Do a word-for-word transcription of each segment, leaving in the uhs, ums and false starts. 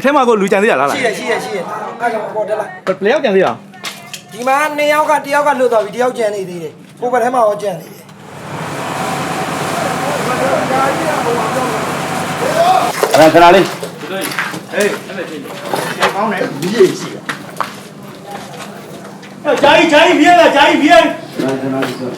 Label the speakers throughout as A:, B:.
A: ထဲမှာကိုလူကြံသေးရလားလား
B: ရှိရရှိရရှိရအဲ့ကောင်ပေါ်တက်လိုက်
A: ဘယ်ယောက်ကြံသေးရ
B: ဒီမှာနှစ်ယောက်ကတယောက်ကလွတ်သွားပြီတယောက်ကျန်နေသေးတယ်ကိုယ်ဘက်ထဲမှာရောကျန်နေတယ်
C: ခဏခဏလေး
A: ဟေးအဲ့မဲ့ချင်းကျောင်းကောင်းတယ်ဒီရေးရှိရအဲ့ဂျာကြီးဂျာကြီးပြေးလာဂျာကြီးပြေး
C: ခဏခဏလေးဆိုသူ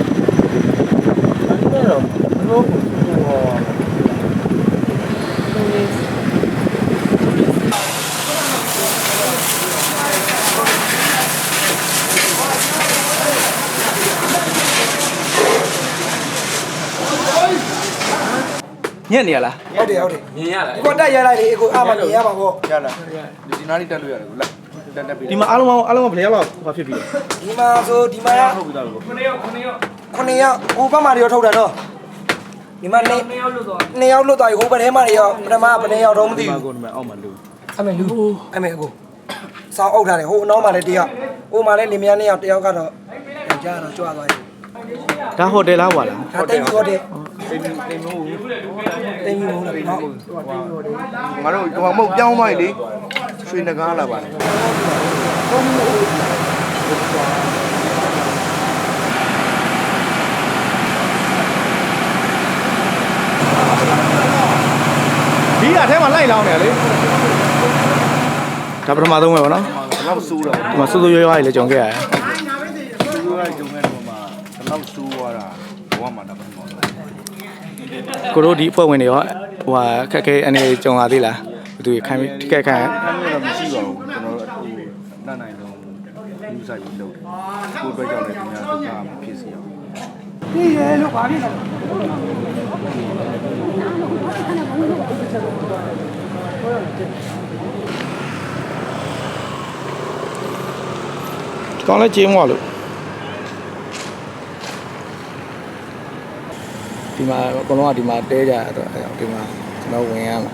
A: ညက်နေရလား
B: ဟုတ်တယ်ဟုတ်တယ်
D: မြင်ရလား
B: ကိုတက်ရလိုက်လေကိုအားမမြင်ရပါဘော
C: ရလားဒီနားလေးတက်လို့ရတယ်ကိုလက်တက်တက်ပြီး
A: ဒီမှာအားလုံးအားလုံးဘယ်ယောက်လောက်ဟောဖြစ်ပြီလဲ
B: ဒီမှာဆိုဒီမှာ
C: ဟုတ်ပြီသားလို့
D: ခုနှစ်ယောက်ခုနှစ်ယောက်
B: ခုနှစ်ယောက်ဟိုဘက်မှာရောထုတ်တာနော်ဒီမှာနှစ်
D: နှစ်ယောက်လွတ်သွား
B: နှစ်ယောက်လွတ်သွားပြီဟိုဘက်ထဲမှာရောပထမဘယ်နှစ်ယောက်တော့မသိ
A: ဒီမှာ
B: ဘူး
A: ကိုဒီမှာအောက်မှာလူ
B: အမေလူအမေကိုစောင်းအုပ်ထားတယ်ဟိုအနောက်မှာလည်းတယောက်ဟိုမှာလည်းလင်မယားနှစ်ယောက်တယောက်ကတော့ကြားတော့ကြွားသွားပြီ
A: ဒါဟိုတယ်လားဟွာလား
B: ဒါတိတ်ပြီးတော့တယ်
C: တိမ်တိမ်မို့
B: တိတ်ပြီးတော့တယ်နော်
C: ငါတို့ဟိုမဟုတ်ပြောင်းသွားပြီလေရွှေနဂါးလာပါလေ
A: ဒီအထဲမှာလိုက်လောင်းနေရလေဒါပထမဆုံးပဲဗောနော်
C: ဘယ်လောက်စူးတော့
A: ဒီမှာစိုးစိုးရွားရွားကြီးလည်းကြုံခဲ့ရတယ်
C: စူးရကြုံတဲ့ပုံမှာဘယ်လောက်စူးသွားတာဘဝမှာတော့မဟုတ်ဘူး
A: ကိုတို့ဒီအဖွဲ့ဝင်တွေရောဟိုဟာခက်ခဲအနေကြုံလာသေးလားဘယ်သူခိုင်းထိခိုက်ခိုင်း
C: အဲ့လိုတော့မရှိပါဘူးကျွန်တော်တို့အခုတတ်နိုင်ဆုံးယူဆိုင်ပြီးလုပ်တယ်ကိုယ်အတွက်ကြောင့်လည်းဒီများဒုက္ခမဖြစ်စေအောင်
B: ပြီးရဲလို့ဘာဖြစ်လဲ
A: ကောင်းလဲကျင်းသွားလို့ဒီမှာအကုန်လုံးကဒီမှာတဲကြရတော့အဲဒီမှာကျွန်တော်ဝင်ရမှာ